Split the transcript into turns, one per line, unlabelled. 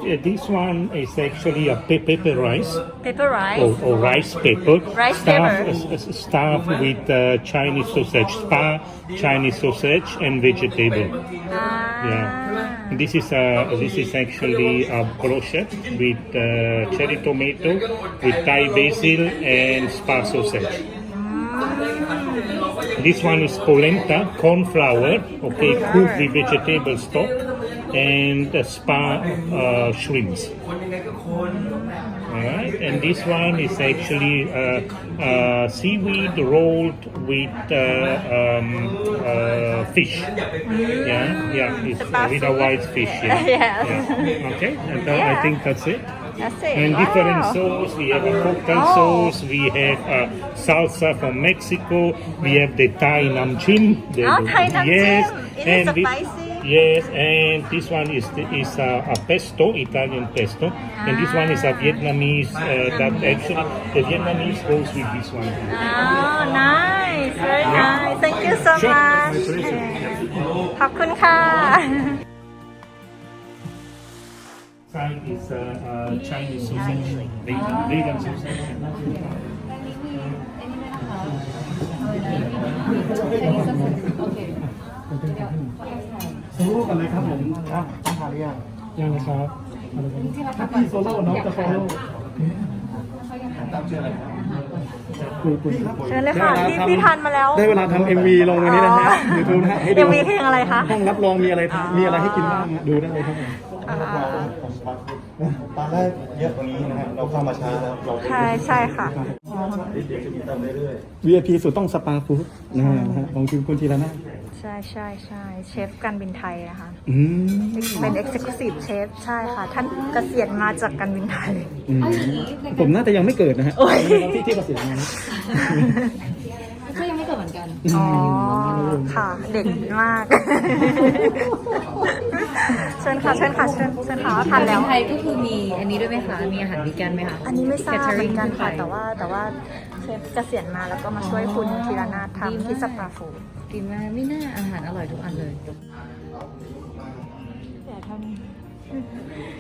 This one is actually a pepper rice
Pepper rice.
or rice pepper.
Rice
stuffed,
pepper.
stuffed with Chinese sausage, spa Chinese sausage and vegetable. Yeah. This is actually a brochette with cherry tomato, with Thai basil and spa sausage. This one is polenta, corn flour, okay, cooked with vegetable stock and spa shrimps. Alright, and this one is actually seaweed rolled with fish. Yeah, it's with a white fish. Yeah. Okay, and I think that's it.
That's it.
And
Wow.
different sauce. We have a cocktail sauce. We have salsa from Mexico. We have the Thai nam chim.
Thai nam
Yes,
chim. It is
and
spicy.
Yes, and this one is a pesto, Italian pesto, and this one is a Vietnamese. That actually the Vietnamese goes with this one.
Oh, nice. Very nice. Thank you so
Sure.
much.
My pleasure.
ขอบคุณค่ะ
Side is Chinese sausage, vegan sausage.
โซโล่กันเลยครับผมต้องทานหรือยังยังนะครับถ้าพี่โซโล่น้องจะโซโล่ตามชื่ออะไรครับคุณครับ
เชิญเลยค่ะพี่ทานมาแล้ว
ได้เวลาทำ MV ลงวันนี้นะฮะ YouTube นะฮะให้ดู
MV เพลงอะไรคะ
ห้องรับรองมีอะไรให้กินบ้างฮะดูได้เลยครับผมตอนแรกเยอะกว่านี้นะครับเราเข้ามาช้าแล้วเรา
ใช่ค่ะ
เดี๋ยวจะมีเติมเรื่อยๆ VIP สุดต้องสปาฟู้ดนะฮะของคุณธีรนาถ
ใช่เชฟการบินไทยนะคะ
อืม
เป็น Executive Chef ใช่ค่ะ ท่านเกษียณมาจากการบินไทย
ผมน่าจะยังไม่เกิดนะฮะที่เกษียณมา
ก็ยังไม่เกิดเหมือนกัน
อ๋อ ค่ะ เด็กมาก เชิญค่ะทานแล้ว
ไทยก็คือมีอันนี้ด้วยไหมคะ มีอาหารวีแกนไหมคะ
อันนี้ไม่ทราบเหมือนกันค่ะ
Catering
แต่ว่าเชฟเกษียณมาแล้วก็มาช่วยคุณธีรนาถทำที่สปาฟูด
ดีมากไม่น่าอาหารอร่อยทุกอันเลย
แต่เท่านี้